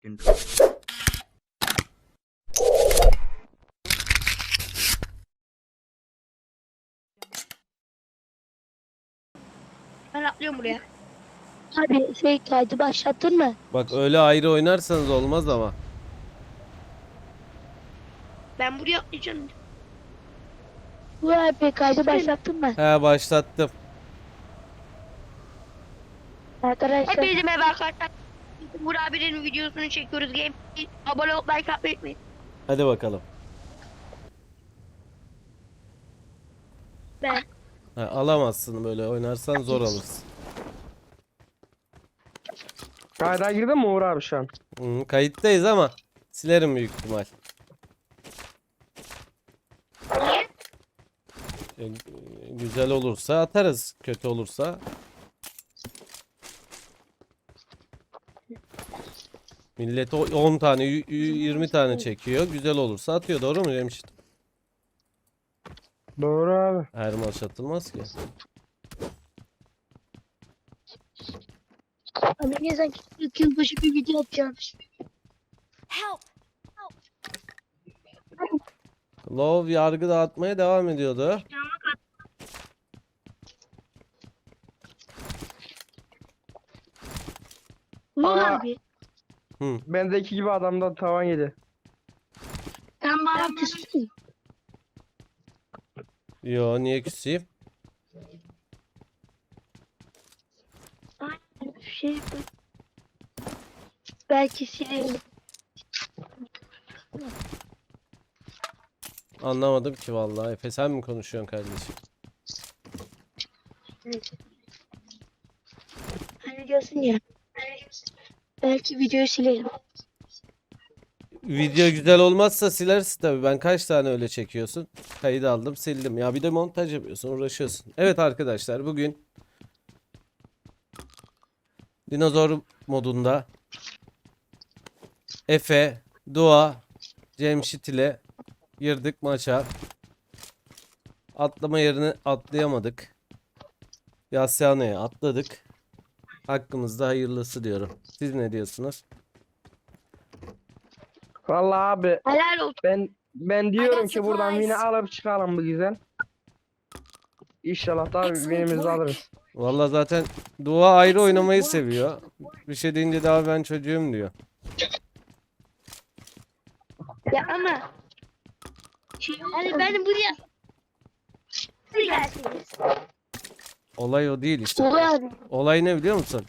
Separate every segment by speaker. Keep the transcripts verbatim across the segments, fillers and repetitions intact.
Speaker 1: intro.
Speaker 2: Ben atlıyorum buraya.
Speaker 3: Abi şey kaydı başlattın mı?
Speaker 4: Bak öyle ayrı oynarsanız olmaz ama.
Speaker 2: Ben buraya atlayacağım.
Speaker 3: Bu abi kaydı başlattın mı?
Speaker 4: He başlattım.
Speaker 3: Arkadaşlar
Speaker 2: Hepinize merhaba arkadaşlar. Burak abinin videosunu çekiyoruz. Game abone olup like atmayı unutmayın.
Speaker 4: Hadi bakalım.
Speaker 2: Ben
Speaker 4: Ha, alamazsın böyle oynarsan zor alırsın.
Speaker 5: Kayda girdin mi Uğur abi şu an?
Speaker 4: Hı, kayıttayız ama silerim büyük ihtimal. E, güzel olursa atarız, kötü olursa. Millet o- on tane, y- y- yirmi tane çekiyor. Güzel olursa atıyor. Doğru mu Cemşit?
Speaker 5: Doğru abi.
Speaker 4: Her maç atılmaz ki.
Speaker 3: abi ne zaman ilk yılbaşı bir video atacağım.
Speaker 4: Love yargı dağıtmaya devam ediyordu.
Speaker 3: Bu
Speaker 5: Aa.
Speaker 3: abi.
Speaker 4: Hı.
Speaker 5: Bendeki gibi adamdan tavan yedi.
Speaker 3: Sen bana küstün.
Speaker 4: Yo niye küseyim?
Speaker 3: Şey belki silerim.
Speaker 4: Anlamadım ki vallahi. Efe sen mi konuşuyorsun kardeşim?
Speaker 3: Hani diyorsun ya. Belki videoyu silerim.
Speaker 4: Video güzel olmazsa silersin tabii. Ben kaç tane öyle çekiyorsun? Kayıt aldım, sildim. Ya bir de montaj yapıyorsun, uğraşıyorsun. Evet arkadaşlar bugün dinozor modunda Efe, Dua, Cemşit ile girdik maça. Atlama yerini atlayamadık. Yasyano'ya atladık. Hakkımızda hayırlısı diyorum. Siz ne diyorsunuz?
Speaker 5: Vallahi abi
Speaker 2: helal olsun.
Speaker 5: ben ben diyorum
Speaker 6: got
Speaker 5: ki buradan
Speaker 6: supplies.
Speaker 5: yine alıp çıkalım bu güzel. İnşallah da
Speaker 6: Excellent
Speaker 5: winimizi
Speaker 6: work.
Speaker 5: alırız.
Speaker 4: Vallahi zaten Dua ayrı
Speaker 6: Excellent
Speaker 4: oynamayı
Speaker 6: work.
Speaker 4: seviyor. Bir şey deyince daha ben çocuğum diyor.
Speaker 2: Ya ama
Speaker 3: Şey,
Speaker 2: hani ben buraya buraya gelseniz.
Speaker 4: Olay o değil işte.
Speaker 3: Oluyor abi.
Speaker 4: Olay ne biliyor musun?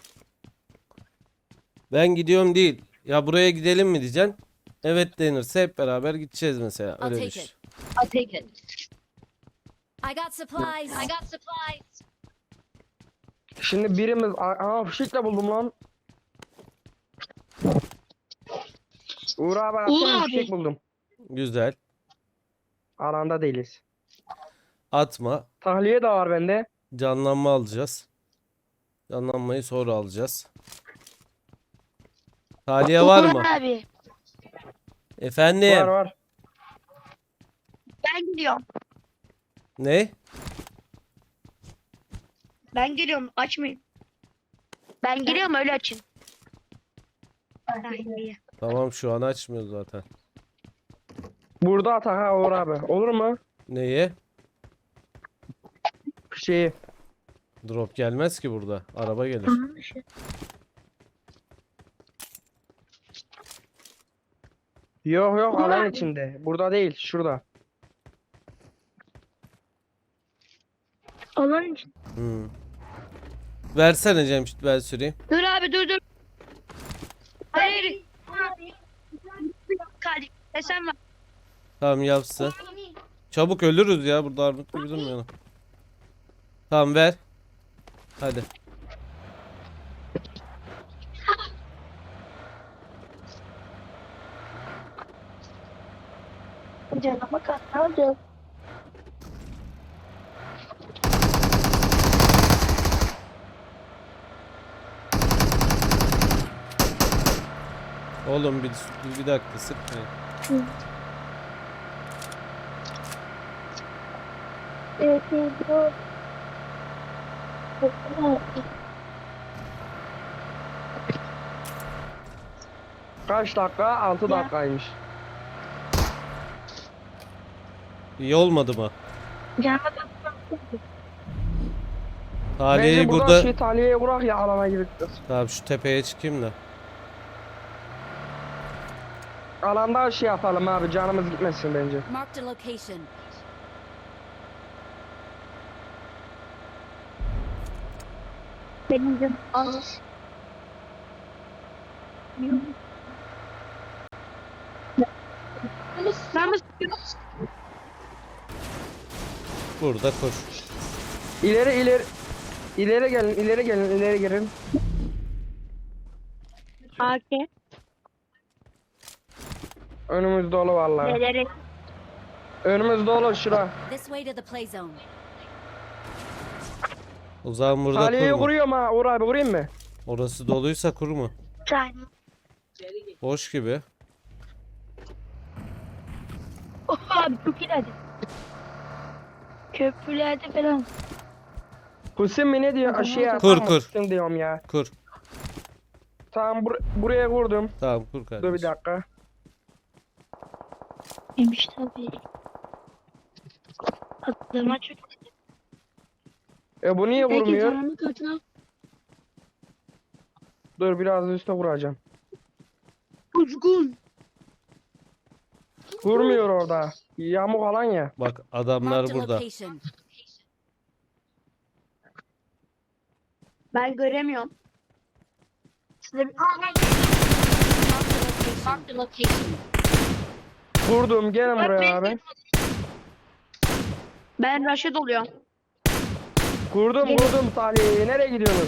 Speaker 4: Ben gidiyorum değil. Ya buraya gidelim mi diyeceksin. Evet denirse hep beraber gideceğiz mesela.
Speaker 6: I'll
Speaker 4: Öyle
Speaker 6: take
Speaker 4: düşün.
Speaker 6: it.
Speaker 3: I'll take it.
Speaker 6: I got supplies. I got supplies.
Speaker 5: Şimdi birimiz aa fişekle buldum lan. Uğur abi
Speaker 3: Uğur
Speaker 5: atsana
Speaker 3: abi.
Speaker 5: fişek buldum.
Speaker 4: Güzel.
Speaker 5: Alanda değiliz.
Speaker 4: Atma.
Speaker 5: Tahliye de var bende.
Speaker 4: Canlanma alacağız. Canlanmayı sonra alacağız. Taliye var mı?
Speaker 3: Abi.
Speaker 4: Efendim.
Speaker 5: Var var.
Speaker 2: Ben gidiyorum.
Speaker 4: Ne?
Speaker 2: Ben geliyorum. Açmayın. Ben geliyorum öyle açın. Ay,
Speaker 4: Tamam şu an açmıyor zaten.
Speaker 5: Burada atak ha Uğur abi. Olur mu?
Speaker 4: Neyi?
Speaker 5: Fişeği.
Speaker 4: Drop gelmez ki burada. Araba gelir.
Speaker 5: Yok yok alan içinde. Burada değil şurada.
Speaker 3: Alan için.
Speaker 4: Hmm. Versene Cemşit ben süreyim.
Speaker 2: Dur abi dur dur. Hayır. Kardeşim sen var.
Speaker 4: Tamam yapsın. Çabuk ölürüz ya burada armut gibi durmayalım. Tamam ver. Hadi.
Speaker 3: Canıma kaldı.
Speaker 4: Oğlum bir, bir dakika sıkmayın.
Speaker 3: Evet, evet.
Speaker 5: Kaç dakika? altı
Speaker 3: Ya.
Speaker 5: dakikaymış.
Speaker 4: İyi olmadı mı?
Speaker 3: Canıma
Speaker 4: Taliye'yi
Speaker 5: Bence burada
Speaker 4: burada...
Speaker 5: şey taliyeye kurak ya alana girip.
Speaker 4: Tamam şu tepeye çıkayım da.
Speaker 5: Alanda şey yapalım abi canımız gitmesin bence.
Speaker 6: Marked a location.
Speaker 3: benim canım az. Ben mi
Speaker 4: Burada koş.
Speaker 5: İleri ileri. İleri gelin, ileri gelin, ileri gelin.
Speaker 3: A K?
Speaker 5: Önümüz dolu vallahi.
Speaker 3: Neleri?
Speaker 5: Önümüz dolu şura.
Speaker 6: This way to the play zone.
Speaker 4: O zaman burada
Speaker 5: Taliyeye
Speaker 4: kurma.
Speaker 5: kuruyorum ha. Uğur abi vurayım mı?
Speaker 4: Orası doluysa kurma.
Speaker 3: Tane.
Speaker 4: Boş gibi.
Speaker 3: Oh abi çok ileride. Köprülerde falan.
Speaker 5: Kusim mi ne diyor? Aşağıya
Speaker 4: Kur,
Speaker 5: atar
Speaker 4: kur.
Speaker 5: mısın diyorum ya.
Speaker 4: Kur.
Speaker 5: Tamam bur buraya kurdum.
Speaker 4: Tamam kur
Speaker 5: Dur bir
Speaker 4: kardeşim.
Speaker 5: dakika.
Speaker 3: Yemiş tabii. Adama çok.
Speaker 5: E bu niye
Speaker 3: Peki
Speaker 5: vurmuyor?
Speaker 3: canımı katına.
Speaker 5: Dur biraz üstte vuracağım.
Speaker 3: Kuzgun.
Speaker 5: Vurmuyor orada. Yamuk alan ya.
Speaker 4: Bak adamlar
Speaker 6: Marked a
Speaker 4: burada.
Speaker 6: location.
Speaker 3: Ben göremiyorum. Size bir...
Speaker 6: Marked a location.
Speaker 5: Vurdum gelin buraya abi.
Speaker 3: Ben Raşit oluyorum.
Speaker 5: Kurdum kurdum Salih'i. Nereye gidiyorsunuz?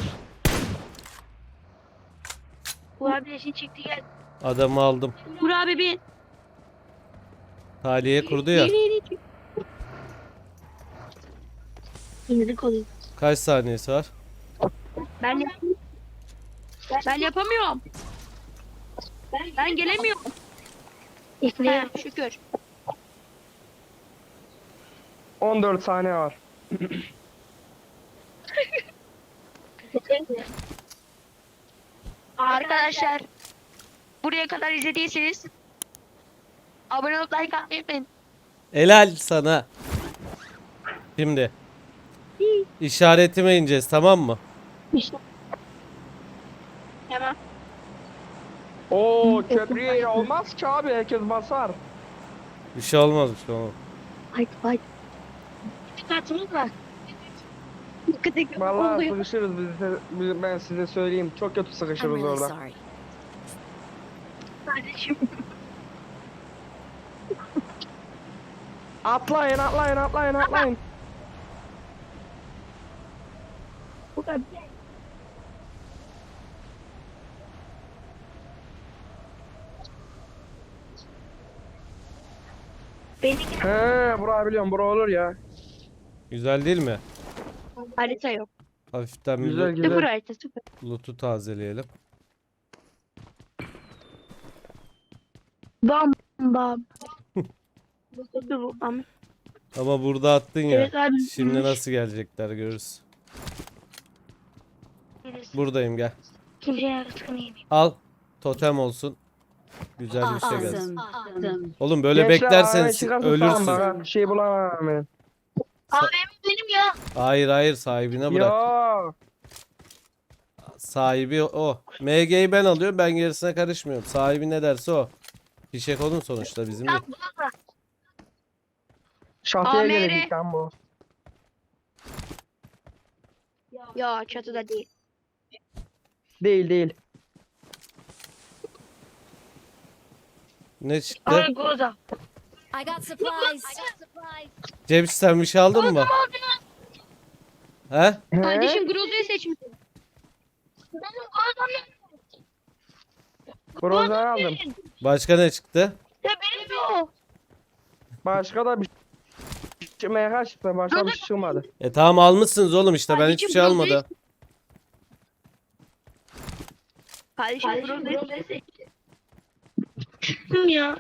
Speaker 3: Bu abi eşin çıktı gel.
Speaker 4: Adamı aldım.
Speaker 3: Vur abi bir.
Speaker 4: Taliye kurdu ya.
Speaker 3: İndik oluyor.
Speaker 4: Kaç saniyesi var?
Speaker 3: Ben yap ben yapamıyorum. Ben gelemiyorum. He, şükür.
Speaker 5: on dört saniye var.
Speaker 2: Arkadaşlar buraya kadar izlediyseniz abone olup like atmayı unutmayın.
Speaker 4: Helal sana. Şimdi. İşaretime ineceğiz tamam mı?
Speaker 3: İşte. Tamam.
Speaker 5: Oo köprüye olmaz ki abi herkes basar.
Speaker 4: Bir şey olmaz bir şey olmaz.
Speaker 3: Haydi haydi. Çıkartımız var. Dikkat
Speaker 5: Vallahi
Speaker 3: oluyor.
Speaker 5: sıkışırız biz, de- biz- ben size söyleyeyim. Çok kötü
Speaker 6: I'm
Speaker 5: sıkışırız
Speaker 6: really
Speaker 5: orada.
Speaker 6: sorry.
Speaker 3: Kardeşim.
Speaker 5: Atlayın atlayın atlayın atlayın.
Speaker 3: Bu kadar. Beni
Speaker 5: He bura biliyorum bura olur ya.
Speaker 4: Güzel değil mi?
Speaker 3: harita yok.
Speaker 4: Hafiften bir
Speaker 5: Güzel
Speaker 4: loot-
Speaker 3: Sıfır
Speaker 5: güzel.
Speaker 3: harita sıfır.
Speaker 4: loot'u tazeleyelim.
Speaker 3: Bam bam. Dur bam.
Speaker 4: Ama burada attın ya.
Speaker 3: Evet abi.
Speaker 4: Şimdi nasıl gelecekler görürüz. Buradayım gel.
Speaker 3: Kimseye yarısını yemeyeyim.
Speaker 4: Al. Totem olsun. Güzel bir şey gelsin.
Speaker 6: Awesome. Awesome.
Speaker 4: Oğlum böyle
Speaker 5: Gençler,
Speaker 4: beklersen
Speaker 5: araya
Speaker 4: si-
Speaker 5: çıkarsa tamam
Speaker 4: ölürsün.
Speaker 5: bak, bir şey bulamam ben.
Speaker 3: A V M benim ya.
Speaker 4: Hayır hayır sahibine bırak.
Speaker 5: Yo.
Speaker 4: Sahibi o. M G'yi ben alıyorum ben gerisine karışmıyorum. Sahibi ne derse o. Fişek onun sonuçta bizim değil.
Speaker 5: Şatıya
Speaker 2: A M R.
Speaker 5: gelecek lan bu.
Speaker 2: Ya çatıda değil.
Speaker 5: Değil değil.
Speaker 4: Ne çıktı?
Speaker 3: Argoza.
Speaker 6: I got supplies.
Speaker 4: Cemşit sen bir şey aldın mı? He?
Speaker 5: He?
Speaker 2: Kardeşim Groza'yı seçmişsin.
Speaker 3: Benim Groza'm yok.
Speaker 5: Broza'yı aldım.
Speaker 4: Başka ne çıktı?
Speaker 3: Ya benim de o.
Speaker 5: Başka da bir şey M H çıktı. Başka bir şey çıkmadı.
Speaker 4: E tamam almışsınız oğlum işte ben hiçbir
Speaker 2: Kardeşim,
Speaker 4: şey
Speaker 2: Groza'yı-
Speaker 4: almadım.
Speaker 2: Kardeşim Groza'yı seçmişsin.
Speaker 3: Kim ya?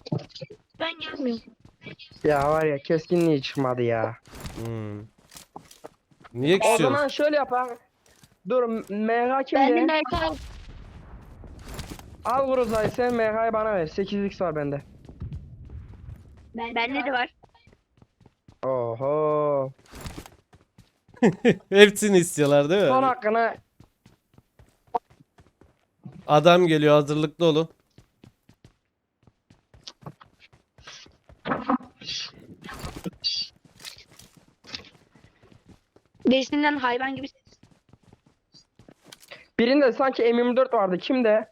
Speaker 3: Ben gelmiyorum.
Speaker 5: Ya var ya keskinliği çıkmadı ya.
Speaker 4: Hmm. Niye
Speaker 5: O
Speaker 4: küsüyorsun?
Speaker 5: zaman şöyle yapalım. Dur M H
Speaker 2: Ben de
Speaker 5: kimde?
Speaker 2: M K.
Speaker 5: Al Groza'yı sen M H'yi bana ver. sekiz x var bende.
Speaker 2: Bende de var.
Speaker 5: Oho.
Speaker 4: Hepsini istiyorlar değil
Speaker 5: Son
Speaker 4: mi?
Speaker 5: hakkını
Speaker 4: Adam geliyor, hazırlıklı olun.
Speaker 2: Birisinden hayvan gibi ses.
Speaker 5: birinde sanki M yirmi dört vardı. Kimde?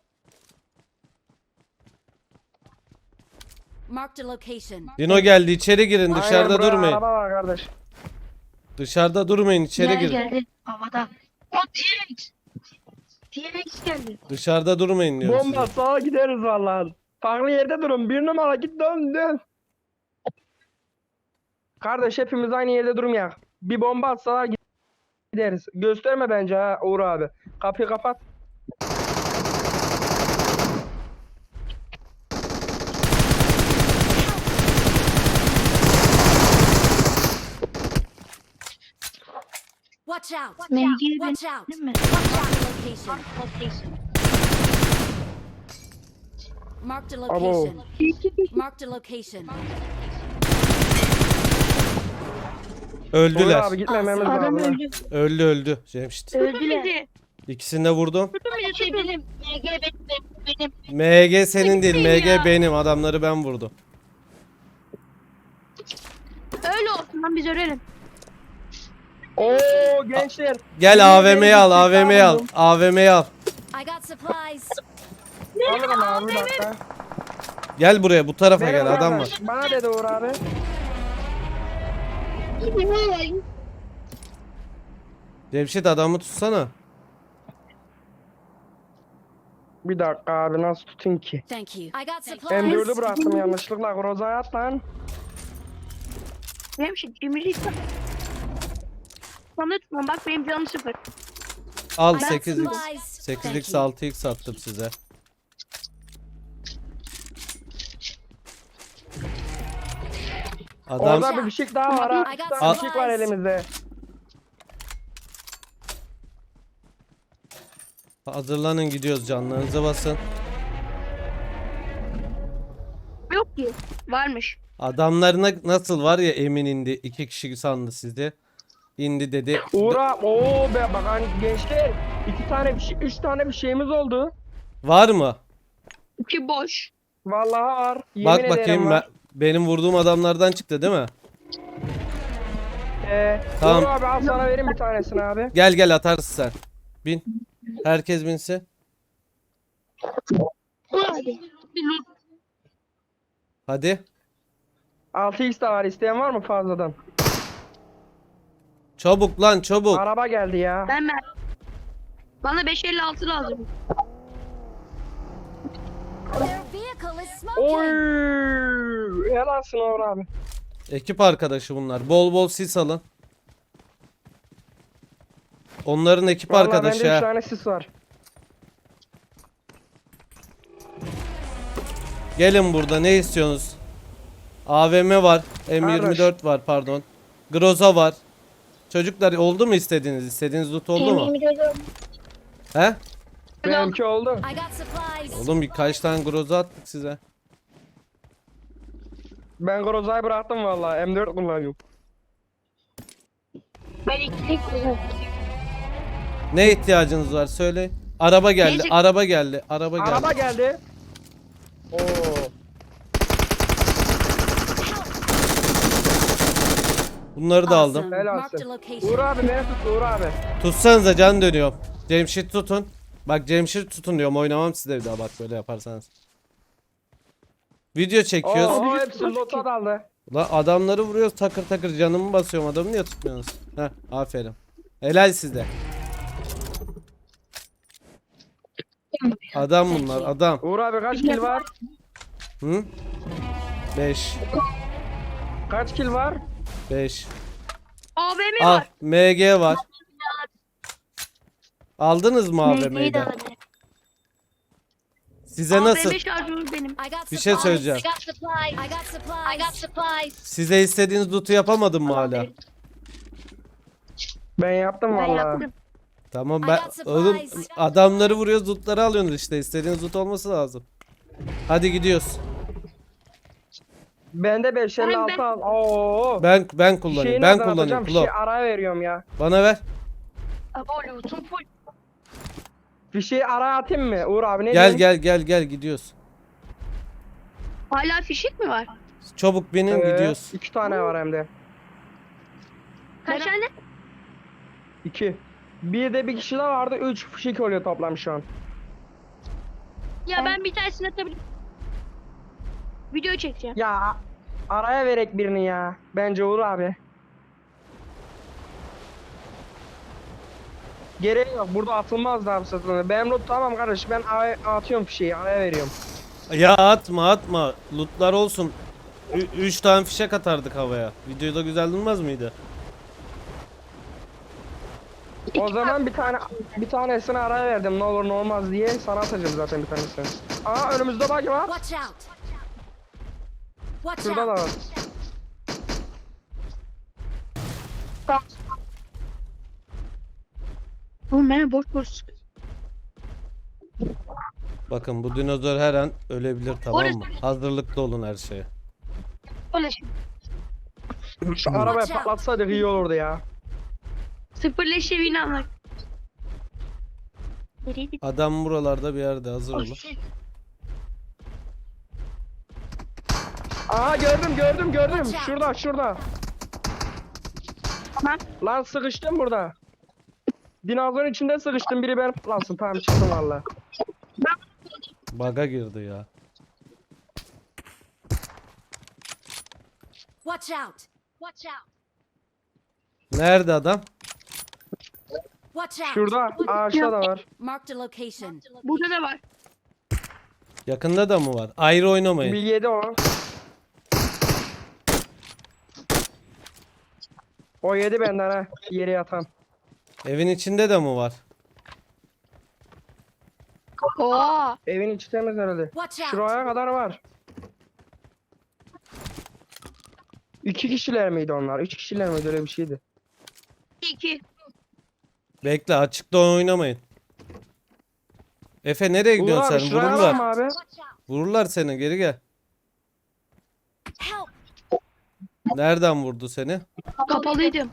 Speaker 6: Marked a location.
Speaker 4: Dino geldi, içeri girin, dışarıda
Speaker 5: Aynen, buraya
Speaker 4: durmayın.
Speaker 5: Araba var kardeş.
Speaker 4: Dışarıda durmayın, içeri
Speaker 2: Gel
Speaker 4: girin.
Speaker 2: geldi. Havada. O T-Rex. T-Rex geldi.
Speaker 4: Dışarıda durmayın diyorum
Speaker 5: Bomba
Speaker 4: size.
Speaker 5: sağa gideriz vallahi. Farklı yerde durun. Bir numara git dön dön. Kardeş hepimiz aynı yerde durmayak. Bir bomba atsalar gideriz. Gösterme bence ha Uğur abi. Kapıyı kapat.
Speaker 6: Watch out.
Speaker 2: Mevkiyi ben
Speaker 6: Watch out.
Speaker 2: değil mi?
Speaker 6: Marked a location. Marked a
Speaker 5: Abo.
Speaker 6: location. Marked a location.
Speaker 5: Uğur
Speaker 4: Öldüler.
Speaker 5: abi gitmememiz
Speaker 2: Adam
Speaker 5: lazım.
Speaker 2: öldü.
Speaker 4: Öldü öldü. Cemşit.
Speaker 2: Öldüler.
Speaker 4: İkisini de vurdum.
Speaker 2: Tutun bizi tutun. Benim. M G benim. Benim.
Speaker 4: M G senin değil,
Speaker 2: Benim
Speaker 4: M G
Speaker 2: ya.
Speaker 4: benim. Adamları ben vurdum.
Speaker 2: Öyle olsun lan biz ölelim.
Speaker 5: Oo gençler.
Speaker 4: Gel A V M'yi al, A V M'yi al. A V M'yi al.
Speaker 6: I got supplies.
Speaker 5: Alırım abi bir dakika.
Speaker 4: Gel buraya, bu tarafa
Speaker 5: Benim
Speaker 4: gel, adam var.
Speaker 5: kardeş, bana dedi Uğur abi.
Speaker 4: Cemşit, adamı tutsana.
Speaker 5: Bir dakika abi nasıl tutayım ki?
Speaker 6: Thank you. I got
Speaker 5: M
Speaker 6: supplies.
Speaker 5: dördü bıraktım yanlışlıkla. Groza'ya at lan.
Speaker 2: Benim şey cimrilik. Sana tutmam bak benim canım sıfır.
Speaker 4: Al
Speaker 6: I got
Speaker 4: sekiz x.
Speaker 6: supplies.
Speaker 4: sekiz
Speaker 6: Thank
Speaker 4: x
Speaker 6: you.
Speaker 4: altı x attım size. Adam
Speaker 5: Orada bir fişek daha var ha.
Speaker 6: I
Speaker 5: Bir
Speaker 6: got
Speaker 5: tane
Speaker 6: supplies.
Speaker 5: fişek var elimizde.
Speaker 4: hazırlanın, gidiyoruz, canlarınıza basın.
Speaker 2: Yok ki. Varmış.
Speaker 4: Adamlarına nasıl var ya, emin indi. İki kişi sandı sizi. İndi dedi.
Speaker 5: Uğur abi. Oo be bak hani gençler. iki tane bir şey, üç tane bir şeyimiz oldu.
Speaker 4: Var mı?
Speaker 2: İki boş.
Speaker 5: Vallahi var. Yemin
Speaker 4: Bak
Speaker 5: ederim
Speaker 4: bakayım,
Speaker 5: var.
Speaker 4: ben- benim vurduğum adamlardan çıktı değil mi?
Speaker 5: Ee,
Speaker 4: Tamam.
Speaker 5: Uğur abi al sana vereyim bir tanesini abi.
Speaker 4: Gel gel, atarsın sen. Bin. Herkes binsin.
Speaker 2: Hadi.
Speaker 4: Hadi.
Speaker 5: altı x de var. İsteyen var mı fazladan?
Speaker 4: Çabuk lan, çabuk.
Speaker 5: Araba geldi ya.
Speaker 2: Ben ben. Bana beş elli altı lazım.
Speaker 6: Their vehicle is
Speaker 5: Oy!
Speaker 6: smoking.
Speaker 5: Helalsin Uğur abi.
Speaker 4: Ekip arkadaşı bunlar. Bol bol sis alın. Onların ekip
Speaker 5: Vallahi
Speaker 4: arkadaşı
Speaker 5: bende üç
Speaker 4: ha.
Speaker 5: tane sis var.
Speaker 4: Gelin, burada ne istiyorsunuz? A V M var. M yirmi dört var, pardon. Groza var. Çocuklar, oldu mu istediğiniz? İstediğiniz loot oldu mu? He?
Speaker 5: Benimki oldu.
Speaker 6: I got supplies.
Speaker 4: Oğlum, birkaç tane groza attık size.
Speaker 5: Ben Groza'yı bıraktım vallahi. M dört kullanıyorum.
Speaker 2: Ben ikilik
Speaker 4: Ne ihtiyacınız var söyleyin. Araba geldi,
Speaker 2: Neyse.
Speaker 4: araba geldi, araba geldi.
Speaker 5: Araba geldi. Oo.
Speaker 4: Bunları da aldım.
Speaker 6: Awesome.
Speaker 5: Helalsin.
Speaker 6: Marked a
Speaker 5: Uğur
Speaker 6: location.
Speaker 5: abi beni tut Uğur abi.
Speaker 4: Tutsanıza, can dönüyorum. Cemşit tutun. Bak, Cemşit tutun diyorum, oynamam size bir daha bak böyle yaparsanız. Video çekiyoruz.
Speaker 5: Oo hepsi lota daldı.
Speaker 4: Lan adamları vuruyoruz takır takır, canımı basıyorum, adamı niye tutmuyorsunuz? Heh, aferin. Helal sizde. Adam bunlar, adam.
Speaker 5: Uğur abi kaç kill var?
Speaker 4: Hı? beş.
Speaker 5: Kaç kill var?
Speaker 4: beş.
Speaker 2: A V M
Speaker 4: Al,
Speaker 2: var.
Speaker 4: M G var. Aldınız mı A V M'yi
Speaker 2: Neydi
Speaker 4: de?
Speaker 2: adı?
Speaker 4: Size nasıl?
Speaker 2: A V M şarjörü benim.
Speaker 6: I got
Speaker 4: Bir şey
Speaker 6: supplies.
Speaker 4: söyleyeceğim.
Speaker 6: I got supplies. I got supplies. I got supplies.
Speaker 4: Size istediğiniz loot'u yapamadım mı hala?
Speaker 5: Ben yaptım
Speaker 2: Ben
Speaker 5: vallahi.
Speaker 2: yaptım.
Speaker 4: Tamam
Speaker 6: I
Speaker 4: ben
Speaker 6: got
Speaker 4: oğlum
Speaker 6: supplies.
Speaker 4: adamları vuruyoruz, lootları alıyorsunuz işte. İstediğiniz loot olması lazım. Hadi gidiyoruz.
Speaker 5: Bende beş elli
Speaker 2: Ben-
Speaker 5: altı
Speaker 2: ben-
Speaker 5: al. Oo.
Speaker 4: Ben ben
Speaker 5: Fişeği
Speaker 4: kullanıyorum. Ben
Speaker 5: nereden
Speaker 4: kullanıyorum.
Speaker 5: atacağım?
Speaker 4: Klo.
Speaker 5: Fişeği araya veriyorum ya.
Speaker 4: Bana ver.
Speaker 2: Abo loot'um full.
Speaker 5: Fişeği araya atayım mı? Uğur abi ne
Speaker 4: Gel
Speaker 5: diyorsun?
Speaker 4: gel gel gel gidiyoruz.
Speaker 2: Hala fişek mi var?
Speaker 4: Çabuk binin
Speaker 5: Ee,
Speaker 4: gidiyoruz.
Speaker 5: İki tane var hem de.
Speaker 2: Kaç tane?
Speaker 5: İki. Bir de bir kişi de vardı. Üç fişek oluyor toplam şu an.
Speaker 2: Ya ben bir tanesini atabilirim. Video çekeceğim.
Speaker 5: Ya araya verek birini ya. Bence Uğur abi. Gereği yok. Burada atılmaz daha bu satın. Benim loot tamam kardeş. Ben araya atıyorum fişeği. Araya veriyorum.
Speaker 4: Ya atma atma. Lootlar olsun. Ü- üç tane fişek atardık havaya. Videoda güzel durmaz mıydı?
Speaker 5: O zaman bir tane bir tanesini araya verdim. Ne olur ne olmaz diye sana atacağım zaten bir tanesini. Aa önümüzde bak var.
Speaker 6: Watch out. Watch
Speaker 5: Şurada da
Speaker 6: out.
Speaker 5: var.
Speaker 2: Oğlum beni boş boş sıkıyor.
Speaker 4: Bakın bu dinozor her an ölebilir, tamam mı?
Speaker 2: Orası-
Speaker 4: Hazırlıklı olun her şeye.
Speaker 2: Öyle şey.
Speaker 5: Şu arabayı
Speaker 6: Watch out.
Speaker 5: patlatsaydık iyi olurdu ya.
Speaker 2: Sıfır leş evini anlar. Nereye gitti?
Speaker 4: Adam buralarda bir yerde, hazır
Speaker 2: Oh,
Speaker 4: olun.
Speaker 2: shit.
Speaker 5: Aa gördüm gördüm gördüm.
Speaker 6: Watch out.
Speaker 5: Şurada şurada.
Speaker 2: Tamam.
Speaker 5: Lan sıkıştım burada. Dinozorun içinde sıkıştım. Biri ben patlansın. Tamam çıktım valla.
Speaker 4: Baga girdi ya.
Speaker 6: Watch out. Watch out.
Speaker 4: Nerede adam?
Speaker 6: Watch out.
Speaker 5: Şurada ağaçta da var.
Speaker 6: Marked a location.
Speaker 2: Burada da var.
Speaker 4: Yakında da mı var? Ayrı oynamayın.
Speaker 5: Bir yedi o. O yedi benden ha. Yere yatan.
Speaker 4: Evin içinde de mi var?
Speaker 2: Oo.
Speaker 5: Evin içi temiz herhalde.
Speaker 6: Watch out.
Speaker 5: Şuraya kadar var. İki kişiler miydi onlar? Üç kişiler miydi? Öyle bir şeydi.
Speaker 2: İki.
Speaker 4: Bekle, açıkta oynamayın. Efe nereye
Speaker 5: Uğur
Speaker 4: gidiyorsun
Speaker 5: abi
Speaker 4: sen?
Speaker 5: şuraya alalım
Speaker 4: Vururlar.
Speaker 5: abi.
Speaker 6: Watch out.
Speaker 4: Vururlar seni, geri gel.
Speaker 6: Help.
Speaker 4: Nereden vurdu seni?
Speaker 2: Kapalıydım.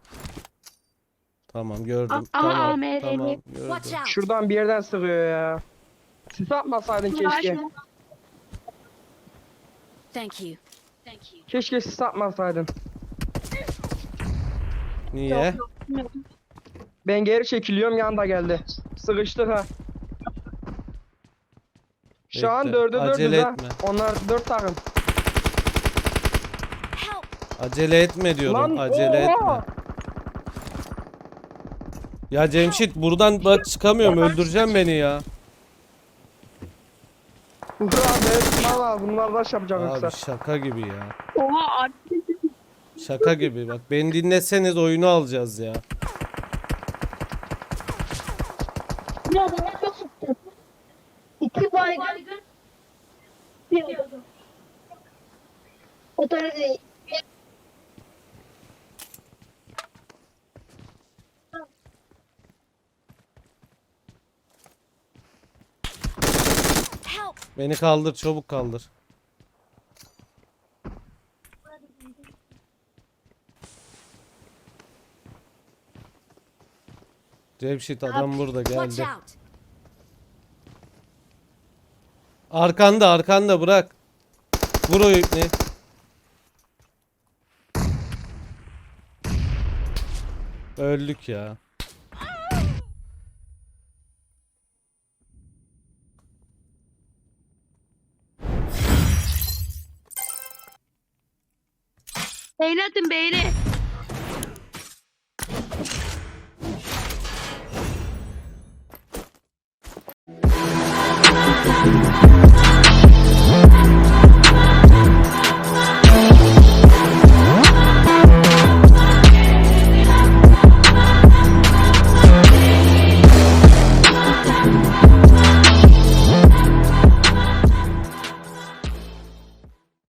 Speaker 4: Tamam gördüm.
Speaker 2: A-
Speaker 4: tamam,
Speaker 2: A M R L.
Speaker 4: tamam
Speaker 6: Watch
Speaker 4: gördüm.
Speaker 6: out.
Speaker 5: Şuradan bir yerden sıkıyor ya. Sis atmasaydın keşke.
Speaker 6: Thank you. Thank you.
Speaker 5: Keşke sis atmasaydın.
Speaker 4: Niye?
Speaker 5: Ben geri çekiliyorum yanda geldi. Sıkıştık ha. Şu an
Speaker 4: Bekle,
Speaker 5: dörde
Speaker 4: acele
Speaker 5: dördüz ha.
Speaker 4: etme.
Speaker 5: Onlar dört takım.
Speaker 6: Help.
Speaker 4: Acele etme diyorum.
Speaker 5: Lan,
Speaker 4: acele
Speaker 5: oha!
Speaker 4: etme. Ya Cemşit, buradan bak çıkamıyorum. Öldüreceğim beni ya.
Speaker 5: Uğur abi evet valla bunlar rush yapacak
Speaker 4: Abi
Speaker 5: yoksa.
Speaker 4: şaka gibi ya.
Speaker 2: Oha abi.
Speaker 4: Şaka gibi. Bak beni dinleseniz oyunu alacağız ya.
Speaker 3: Ya bana çok sıktı. İki baygın. Bir adam. O tane değil.
Speaker 6: Help.
Speaker 4: Beni kaldır, çabuk kaldır. Cemşit adam burada
Speaker 6: Watch
Speaker 4: geldi.
Speaker 6: out.
Speaker 4: Arkanda arkanda bırak. Vur o ipni. Öldük ya.
Speaker 2: Beğeni atın beğeni.